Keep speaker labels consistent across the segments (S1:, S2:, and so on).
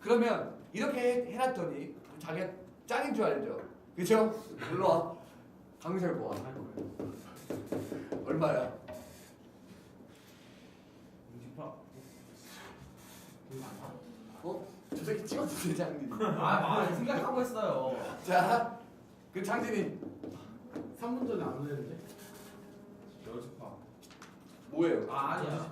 S1: 그러면 이렇게 해놨더니 자기가 짱인 줄 알죠? 그죠? 일로와. 강민철 모아. 얼마야? 어? 저 새끼 찍어주세요 장진이.
S2: 생각하고 있어요.
S1: 자, 그 장진이
S3: 3분 전에 안 되는데?
S2: 여주파.
S1: 뭐예요?
S2: 아니야.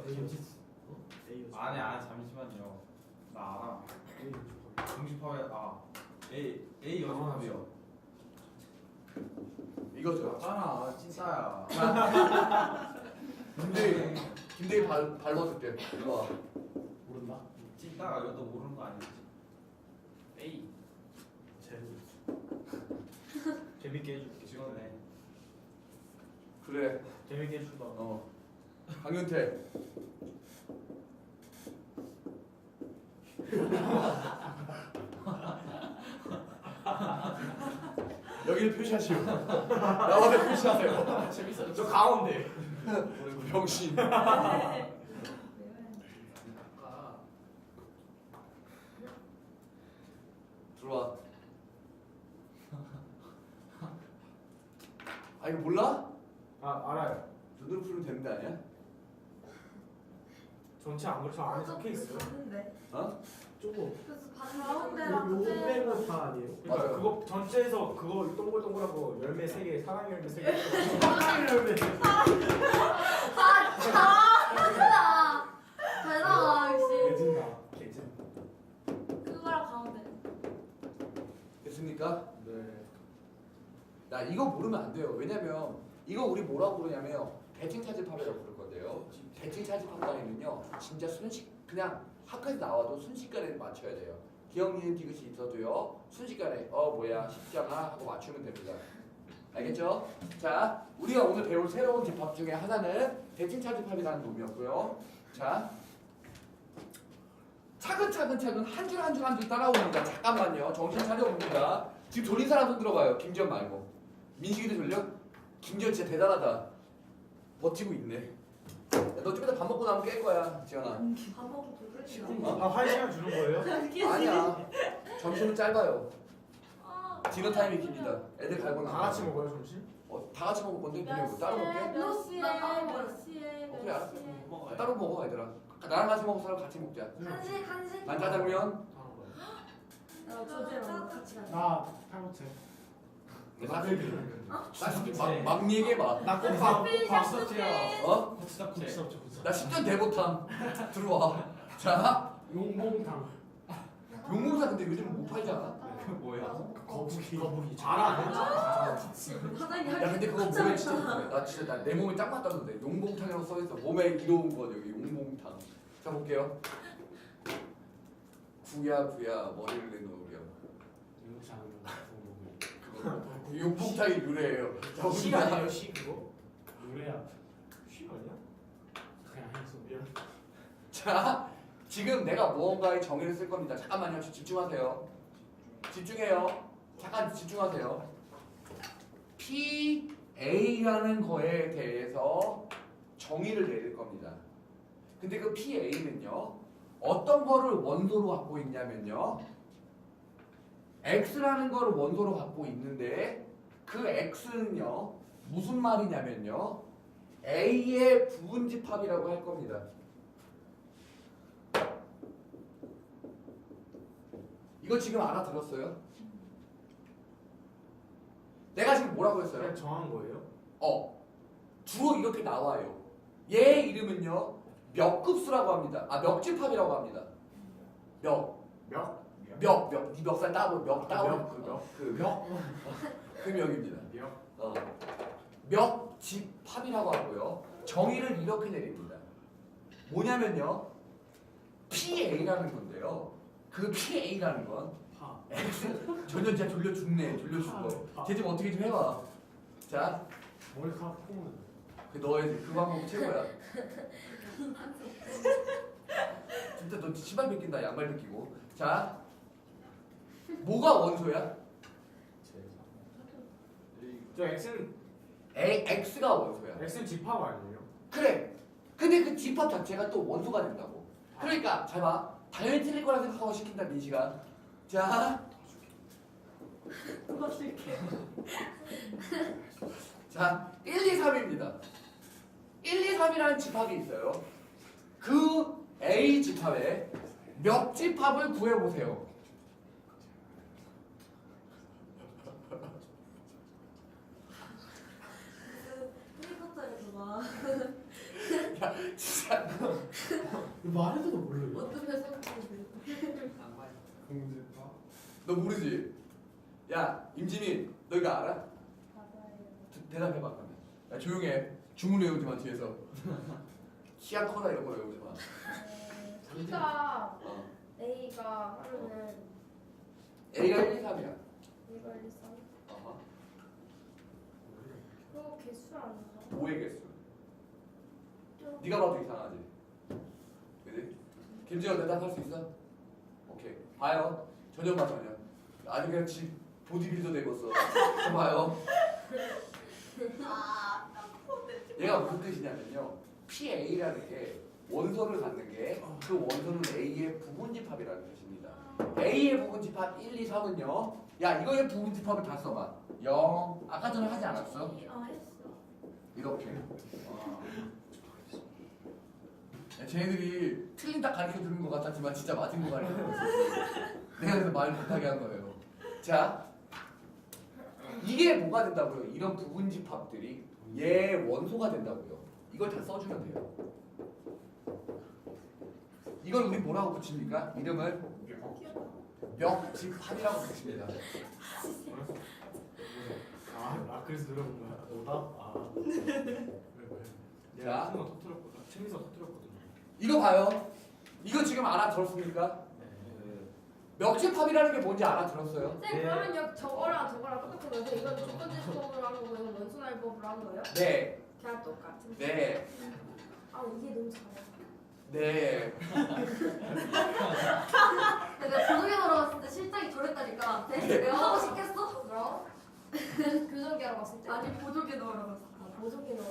S3: A
S2: 아니 잠시만요. 나 알아. 정식파회 A 여주파요.
S1: 이거죠.
S2: 맞잖아 진짜야.
S1: 김대희 발라줄게. 일로와.
S3: 모른다?
S2: 찐따가 이것도 모르는 거 아니지?
S3: A 재밌게 해줄게.
S2: 지원해.
S1: 그래.
S3: 재밌게 해준다.
S1: 강윤태. 여기를 표시하시오. 나와서 표시하세요.
S3: 재밌어. 저 가운데.
S1: 병신. 들어와. 아 이거 몰라?
S3: 알아요.
S1: 눈으로 풀면 되는 거 아니야?
S3: 전체 안 그렇죠. 안에 적혀 있어요.
S4: 봤는데.
S1: 어?
S3: 조금.
S4: 그래서 가운데랑
S3: 요거
S4: 끝에
S3: 빼고 다 아니에요? 그러니까
S1: 맞아요.
S3: 그거 전체에서 그거 동글동글하고 열매 3개, 사랑 열매 3개. 사랑 열매.
S4: 아, 잘한다. 잘한다 역시.
S3: 개진다. 개진.
S4: 그거랑 가운데.
S1: 됐습니까?
S3: 네.
S1: 나 이거 모르면 안 돼요. 왜냐면 이거 우리 뭐라고 부르냐면 대칭 차집합이라고 부를 건데요. 대칭 차집합방에는요 진짜 그냥 학교에서 나와도 순식간에 맞춰야 돼요. 기억 니은 디귿이 있어도요 순식간에 뭐야 쉽잖아 하고 맞추면 됩니다. 알겠죠? 자, 우리가 오늘 배울 새로운 집합 중에 하나는 대칭 차집합이라는 놈이었고요. 자, 차근차근 한 줄 한 줄 한 줄 따라옵니다. 잠깐만요. 정신 차려봅니다. 지금 돌린 사람 손 들어봐요. 김지현 말고. 민식이도 돌려? 김지현 진짜 대단하다. 버티고 있네. 야, 너 좀 이따 밥 먹고 나면 깰 거야, 지현아.
S4: 밥 먹고 돌리나.
S3: 아, 1시간 주는 거예요?
S1: 아니야. 점심은 짧아요.
S4: 아,
S1: 디너 타임이 깁니다. 애들 갈고
S3: 다
S1: 나면.
S3: 같이 먹어요, 점심?
S1: 다 같이 먹을 건데 그냥 뭐 따로 먹게?
S4: 몇 시에 몇 시에
S1: 그래
S4: 몇
S1: 알았어.
S4: 시에.
S1: 따로 먹어 얘들아. 나랑 같이 먹을 사람 같이 먹자.
S4: 한식.
S1: 난 짜장면.
S3: 하는 거예요.
S4: 저주랑 같이 가자.
S3: 나 팔보채.
S1: 막 얘기해봐.
S3: 나
S2: 박서태야.
S1: 어?
S2: 국수답게.
S1: 나 10년 대보탐. 들어와. 자,
S3: 용봉탕.
S1: 용공사 근데 요즘 못 팔잖아.
S2: 그 뭐야?
S3: 거북이. 알아.
S4: 사장님
S1: 야 근데 그거 몸에 진짜 좋네. 나 진짜 내 몸에 딱 맞다던데. 용봉탕이라고 써있어. 몸에 이로운 거 여기 용봉탕. 자 볼게요. 구야 머리를 내놓으렴.
S3: 이렇지 않은 거.
S1: 그거 용봉탕이 유래예요.
S3: 시 아니에요, 시 그거? 노래야. 시 아니야? 그냥 해서 미안.
S1: 자, 지금 내가 무언가의 정의를 쓸 겁니다. 잠깐만요. 집중하세요. 집중해요. 잠깐 집중하세요. PA라는 거에 대해서 정의를 내릴 겁니다. 근데 그 PA는요. 어떤 거를 원소로 갖고 있냐면요. X라는 거를 원소로 갖고 있는데 그 X는요. 무슨 말이냐면요. A의 부분집합이라고 할 겁니다. 이거 지금 알아들었어요? 내가 지금 뭐라고 했어요?
S3: 그냥 정한 거예요?
S1: 주로 이렇게 나와요. 얘 이름은요 멱급수라고 합니다. 멱집합이라고 합니다. 멱. 네 멱살 따고 멱 따고 그 멱입니다. 멱집합이라고 하고요. 정의를 이렇게 내립니다. 뭐냐면요 PA라는 건데요. 그 PA라는 건
S3: 파.
S1: X 전혀 진짜 돌려 죽네. 쟤 좀 어떻게 좀 해봐. 자,
S3: 머리카락 콩은.
S1: 그 너의 그 방법 최고야. 진짜 너 신발 벗긴다. 양말 벗기고. 자, 뭐가 원소야?
S3: 저 X는
S1: X가 원소야.
S3: X는 집합 아니에요?
S1: 그래. 근데 그 집합 자체가 또 원소가 된다고. 그러니까 잘 봐. 당연히 틀릴 거라 생각하고 시킨다 민식아. 자,
S4: 도와줄게.
S1: 자 1, 2, 3입니다. 1, 2, 3이라는 집합이 있어요. 그 A 집합에 몇 집합을 구해보세요.
S4: 해리포터에서 막
S1: 야 진짜
S3: 말해도 모르겠어.
S4: 어떤 회사인지.
S3: 공지파.
S1: 너 모르지? 야 임지민 너 이거 알아?
S4: 맞아요.
S1: 대답해봐 그러면. 야 조용해. 주문 외우지 마 뒤에서. 키야 커다 이런 거 외우지 마.
S5: B가
S1: 어.
S5: A가 하면은
S1: A가 1, 2, 3이야.
S5: 1과 1, 2, 3
S1: 어허.
S5: 그거 개수 아닌가?
S1: 5의 개수. 네가 봐도 이상하지. 그지? 김지현 대답할 수 있어? 오케이. 봐요. 전혀 봐 전혀. 아주 그냥 지 보디빌더 되겠어. 저 봐요. 얘가 무슨 뜻이냐면요. PA라는 게 원소를 갖는 게 그 원소는 A의 부분집합이라는 뜻입니다. A의 부분집합 1, 2, 3은요. 야 이거의 부분집합을 다 써봐. 0. 아까 전에 하지 않았어?
S4: 했어.
S1: 이렇게. 야, 쟤네들이 틀린 딱 가르쳐 주는 것 같았지만 진짜 맞은 거 가르쳐 줬어. 내가 그래서 말 못하게 한 거예요. 자, 이게 뭐가 된다고요? 이런 부분집합들이 얘 원소가 된다고요. 이걸 다 써주면 돼요. 이걸 우리 뭐라고 붙입니까? 이름을 멱집합이라고 붙입니다.
S3: 그래서 들어본 거야. 오답? 왜?
S1: 자.
S3: 내가 터뜨렸거든. 재밌어 터뜨렸거든.
S1: 이거 봐요. 이거 지금 알아들었습니까? 멱집합이라는 게 뭔지 알아들었어요?
S5: 쌤 그러면 저거랑 똑같은 거죠? 이건 조건지수법으로 한 거고 이건 원순알법으로 한 거예요?
S1: 네,
S5: 그냥 똑같은
S1: 네,
S5: 아 이게 너무 잘해
S1: 네.
S4: 내가 고등에 들어갔을 때 실장이 저랬다니까. 내가 하고 싶겠어?
S5: 뭐라고? 교정기하러 갔을 때?
S4: 아니 보조개 넣으러 갔어.
S5: 아 보정기 넣으러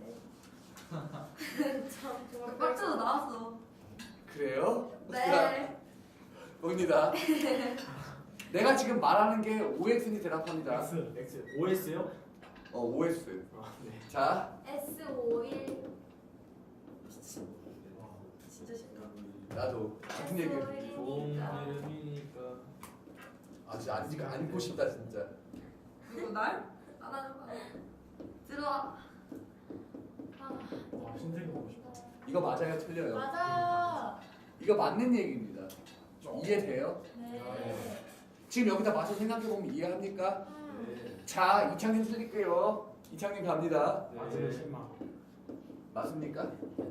S5: 갔을 때참 정말
S4: 빡쳐서 나왔어.
S1: 그래요?
S4: 네.
S1: 봅니다. 내가 지금 말하는 게 OX니 대답합니다.
S3: X. OS요?
S1: OS.
S3: 네.
S1: 자,
S5: S51
S4: 진짜 싫다.
S1: 나도 같은 얘기.
S3: 좋은 이름이니까.
S1: 아, 진짜 안고 싶다 진짜.
S4: 누구 날? 나 들어와.
S3: 와 신세계 보고 싶다.
S1: 이거 맞아요, 틀려요?
S5: 맞아
S1: 이거 맞는 얘기입니다. 이해돼요?
S5: 네
S1: 지금 여기다 맞춰 생각해 보면 이해합니까?
S3: 네.
S1: 자, 이창님 쓸게요. 이창님 갑니다.
S3: 맞으면 10만.
S1: 맞습니까?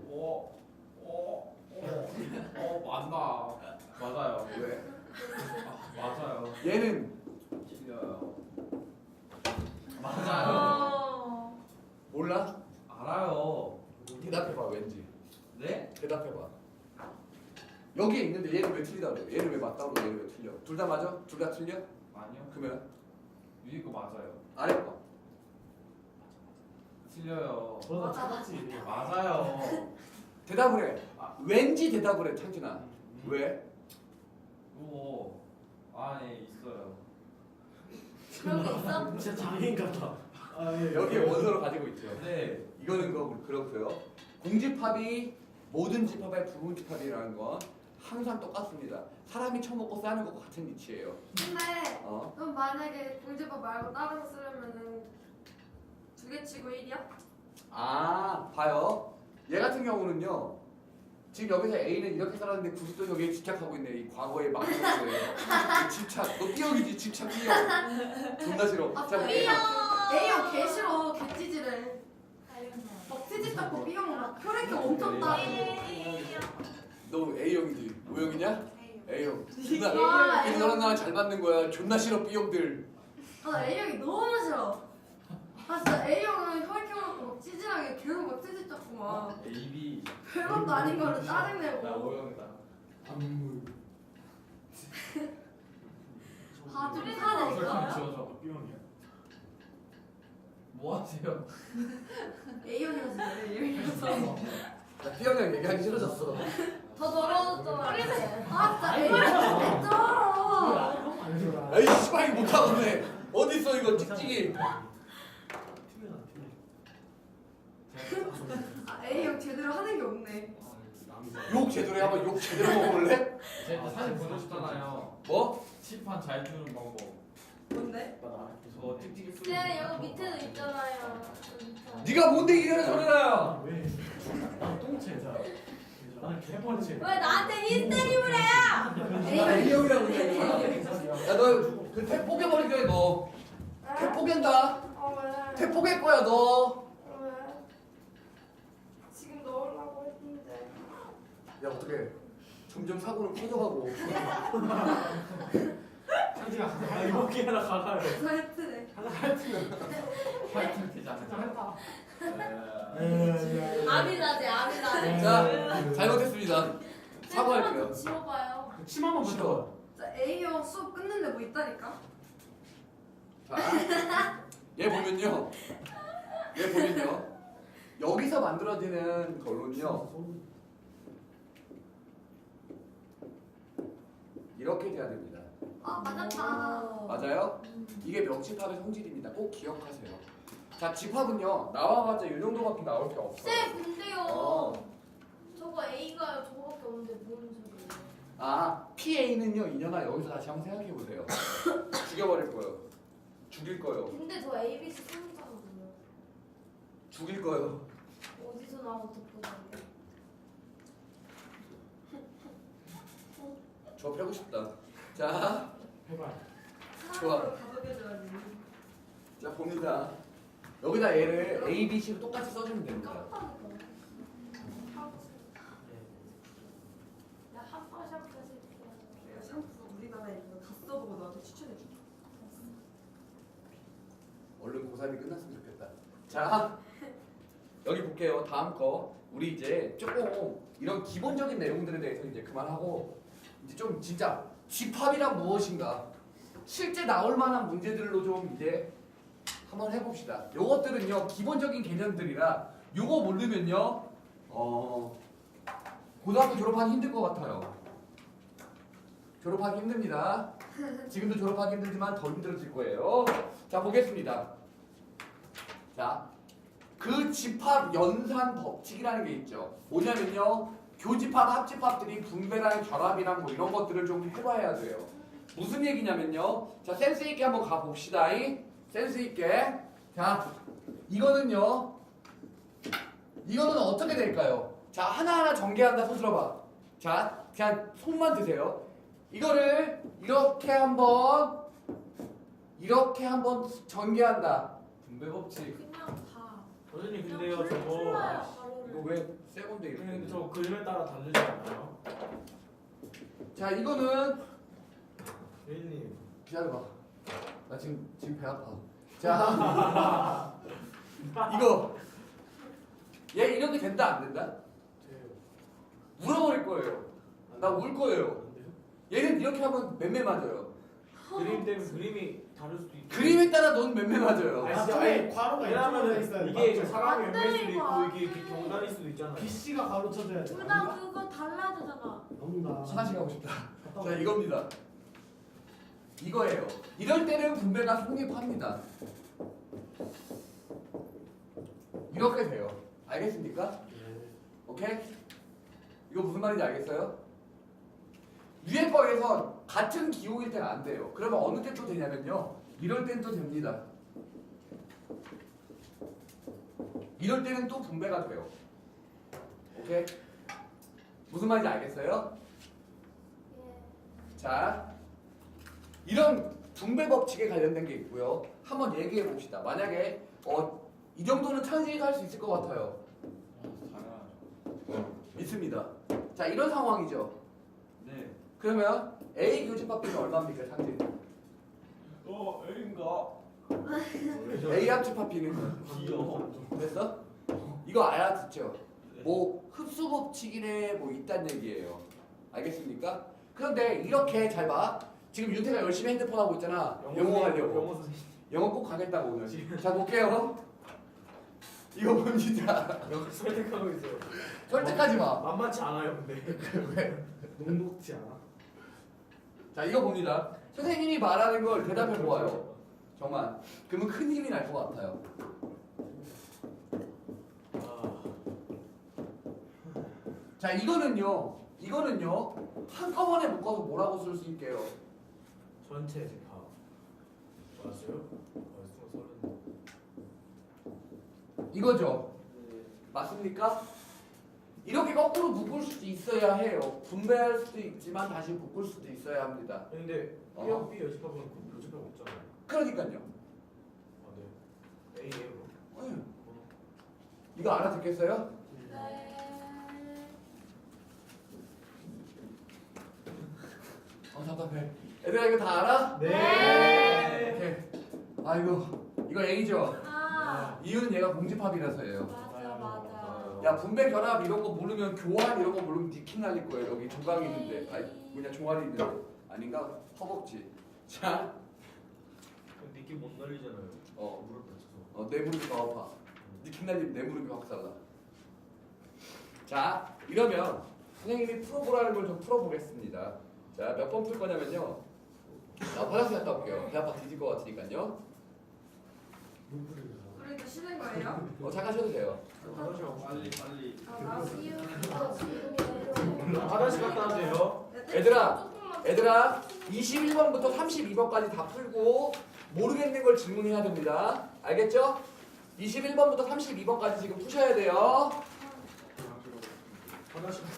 S2: 맞나? 맞아요.
S1: 왜?
S2: 맞아요.
S1: 얘는
S2: 틀려요. 맞아요.
S1: 몰라?
S2: 알아요.
S1: 대답해봐 왠지.
S2: 네?
S1: 대답해봐. 여기에 있는데 얘는 왜 틀리다고 그래? 얘는 왜 맞다고 그래? 얘는 왜 틀려? 둘 다 맞아? 둘 다 틀려?
S2: 아니요.
S1: 그러면
S2: 위에 거 맞아요.
S1: 아래 거.
S2: 틀려요.
S3: 저는 찾았지.
S2: 맞아요.
S1: 대답을 해. 왠지 대답을 해, 창진아. 왜?
S2: 이거 안에 있어요.
S4: 그런 게 있어?
S3: 진짜 장인 같아. 예.
S1: 여기에 원소를 가지고 있죠.
S2: 네.
S1: 이거는 그렇고요. 공집합이 모든 집합의 부분집합이라는 건 항상 똑같습니다. 사람이 처먹고 싸는 것과 같은 이치예요.
S4: 근데
S1: 어?
S4: 그럼 만약에 공제법 말고 다른 거 쓰려면은 2개 치고 1이야?
S1: 아, 봐요. 얘 같은 경우는요. 지금 여기서 A는 이렇게 살았는데 굳이 또 여기에 집착하고 있네. 이 과거에 막는 거예요. 집착. 너 삐역이지, 집착 삐역. 존나 싫어. 자, 볼게요.
S4: A형 개 싫어. 개찌질해. 막 트집 잡고 B형 막 혈액형 엄청 따고.
S1: 너 A형이지. O형이냐? A형. 존나.
S4: 아,
S1: 근데 너랑 나랑 잘 맞는 거야. 존나 싫어, B형들.
S4: 나 A형이 너무 싫어. 아 진짜 A형은 혈액형 갖고 막 찌질하게 계속 막 트집 잡고 막
S2: AB.
S4: 별것도 아닌 거를
S2: 나
S4: 짜증내고.
S2: O형이다.
S3: 안무.
S4: 아, 둘이 사야
S2: 지워줘.
S3: B형이야.
S2: 뭐 하세요?
S4: A형이라서 A형이라서.
S1: 나 B형이랑 얘기하기 싫어졌어.
S5: 더 더러워졌잖아.
S4: 아 진짜 A형 쩔어.
S3: 아니야.
S1: 에이 씨발 이거 못하겠네. 어딨어 이거 찍찍이.
S4: 아 A형 제대로 하는 게 없네.
S1: 욕 제대로 해. 한번 욕 제대로 먹어볼래?
S2: 제가 사진 보여줬잖아요.
S1: 뭐?
S2: 칠판 잘 주는 방법.
S4: 뭔데?
S2: 저 찍찍이 쓰는
S5: 네, 여기 밑에도 있잖아요. 여기 밑에.
S1: 네가 뭔데 이래는 소리나요?
S3: 왜? 난 똥채자. 나는 개번째.
S5: 왜 나한테 히스테리를 해?
S1: 나 A형이라고 그래. 야너 그 탭 뽀개버릴 거야 너. 탭 뽀갠다.
S5: 왜?
S1: 탭 뽀갤 거야 너.
S5: 왜? 지금 넣으려고 했는데.
S1: 야 어떡해. 점점 사고는 커져가고.
S3: 창지가 하나 이렇게 하나 가가요.
S4: 사이트네.
S3: 하나 하여튼.
S2: 화이팅 되잖아.
S5: 아미라제, 아미라제.
S1: 자 잘못했습니다. 사과할게요.
S5: 좀 지워봐요.
S3: 침 한번
S1: 싫어.
S3: 붙여.
S4: 자 A형 수업 끝는데 뭐 있다니까?
S1: 자, 얘 보면요. 얘 보면요. 여기서 만들어지는 결론은요. 이렇게 돼야 됩니다.
S4: 아 맞았다.
S1: 맞아요? 이게 명집합의 성질입니다. 꼭 기억하세요. 자, 집합은요. 나와봤자 이 정도밖에 나올 게 없어요.
S5: 쌤, 근데요.
S1: 어.
S5: 저거 A가 저거밖에 없는데 뭔 소리예요?
S1: 아, PA는요. 인연아 여기서 다시 한번 생각해 보세요. 죽여버릴 거예요. 죽일 거예요.
S5: 근데 저 ABC 상자거든요.
S1: 죽일 거예요.
S5: 어디서 나온 독보다인데?
S1: 저 패고 싶다. 자,
S3: 해봐.
S1: 좋아.
S4: 가속해줘야지.
S1: 자 봅니다. 여기다 얘를 A, B, C로 똑같이 써주면 됩니다.
S5: 깜빡이다. 야한 파샵까지.
S4: 내가 샴푸 우리나라에 있는 거 다 써보고 너한테 추천해줄게.
S1: 얼른 고3이 끝났으면 좋겠다. 자, 여기 볼게요. 다음 거. 우리 이제 조금 이런 기본적인 내용들에 대해서 이제 그만하고 이제 좀 진짜 집합이란 무엇인가 실제 나올 만한 문제들로 좀 이제 한번 해봅시다. 요것들은요 기본적인 개념들이라 요거 모르면요 고등학교 졸업하기 힘들 것 같아요. 졸업하기 힘듭니다. 지금도 졸업하기 힘들지만 더 힘들어질 거예요. 자 보겠습니다. 자, 그 집합 연산 법칙이라는 게 있죠. 뭐냐면요, 교집합, 합집합들이 분배랑 결합이랑 뭐 이런 것들을 좀 해봐야 돼요. 무슨 얘기냐면요, 자 센스 있게 한번 가 봅시다. 센스 있게. 자, 이거는 어떻게 될까요? 자, 하나하나 전개한다. 손 들어봐. 자, 그냥 손만 드세요. 이거를 이렇게 한번 전개한다.
S2: 분배 법칙.
S5: 그냥 다.
S3: 선생님
S5: 그냥
S3: 근데요 저거
S5: 풀어요,
S1: 이거
S5: 바로를.
S1: 왜 세 건데 이렇게?
S3: 근데 저 그림에 따라 다르지 않나요?
S1: 자, 이거는
S3: 선생님
S1: 기다려봐. 나 지금 배 아파. 자, 이거 얘 이렇게 된다 안 된다?
S3: 제
S1: 울어버릴 거예요. 나 울 거예요. 얘는 이렇게 하면 맴매 맞아요.
S3: 그림 때문에 그림이 다를 수도 있고.
S1: 그림에 따라 넌 맴매 맞아요.
S3: 아니,
S6: 진짜
S3: 아니,
S6: 괄호가
S3: 왜냐면은
S6: 이쪽에 있어야 돼.
S3: 이게
S6: 맞죠?
S3: 사람이
S5: 안
S3: 왼쪽일 수도
S5: 돼,
S3: 있고
S5: 이거.
S3: 이게 경단일 수도 있잖아요.
S6: BC가 가로쳐줘야 돼.
S5: 둘 다 그거 달라야 되잖아.
S6: 너무나.
S1: 화장실 가고 싶다.
S6: 갔다
S1: 자,
S6: 와.
S1: 이겁니다. 이거예요. 이럴 때는 분배가 성립합니다. 이렇게 돼요. 알겠습니까?
S3: 네.
S1: 오케이? 이거 무슨 말인지 알겠어요? 유해법에서 같은 기호일 때는 안 돼요. 그러면 어느 때 또 되냐면요. 이럴 땐 또 됩니다. 이럴 때는 또 분배가 돼요. 오케이? 무슨 말인지 알겠어요?
S5: 예.
S1: 자, 이런 분배 법칙에 관련된 게 있고요. 한번 얘기해 봅시다. 만약에 이 정도는 찬스이도 할 수 있을 것 같아요.
S2: 당연하죠.
S1: 믿습니다. 자, 이런 상황이죠.
S2: 네.
S1: 그러면 A 교집합비는 얼마입니까, 창진?
S2: A인가?
S1: A 합집합비는
S2: 귀여워.
S1: 됐어? 이거 알아듣죠? 뭐 흡수 법칙이네 뭐 있단 얘기예요. 알겠습니까? 그런데 이렇게 잘 봐. 지금 윤태가 열심히 핸드폰 하고 있잖아. 영어 하려고.
S3: 영어 선생님.
S1: 영어 꼭 가겠다고 오늘. 자 볼게요. 이거 봅니다.
S3: 여기 설득하고 있어요.
S1: 설득하지 마.
S3: 만만치 않아요, 근데.
S1: 왜?
S3: 녹록지 않아?
S1: 자 이거 봅니다. 선생님이 말하는 걸 대답해 보아요. 정말. 그러면 큰 힘이 날 것 같아요.
S3: 아,
S1: 자 이거는요 한꺼번에 묶어서 뭐라고 쓸 수 있게요?
S3: 전체 집합. 맞았어요? 서른.
S1: 이거죠. 맞습니까? 이렇게 거꾸로 묶을 수도 있어야 해요. 분배할 수도 있지만 다시 묶을 수도 있어야 합니다.
S3: 근데
S1: 어.
S3: B하고 B 여집합은 그 여집합 없잖아요.
S1: 그러니까요.
S3: 아, 네. A예요. 그럼.
S1: 이거 알아듣겠어요?
S4: 네.
S1: 답답해. 얘들아 이거 다 알아?
S3: 네.
S1: 오케이. 아이고 이거 A죠.
S4: 아
S1: 이유는 얘가 공집합이라서예요.
S4: 맞아 맞아.
S1: 야 분배 결합 이런 거 모르면 교환 이런 거 모르면 니킹 날릴 거예요. 여기 조각이 있는데 아니 뭐냐 종아리 있는데 아닌가? 허벅지. 자,
S3: 느낌 못 날리잖아요.
S1: 어,
S3: 무릎 다쳐서.
S1: 내 무릎이 더 아파. 니킹 날리면 내 무릎이 확 살라. 자, 이러면 선생님이 풀어보라는 걸 좀 풀어보겠습니다. 자, 몇 번 풀 거냐면요. 나 화장실 갔다 올게요. 배 아파 뒤질 것 같으니까요.
S4: 그러니까 쉬는 거예요?
S1: 잠깐 쉬어도 돼요.
S2: 빨리 빨리.
S4: 나 쉬우.
S3: 화장실 갔다 와세요.
S1: 얘들아 21번부터 32번까지 다 풀고 모르겠는 걸 질문해야 됩니다. 알겠죠? 21번부터 32번까지 지금 푸셔야 돼요.
S3: 화장실.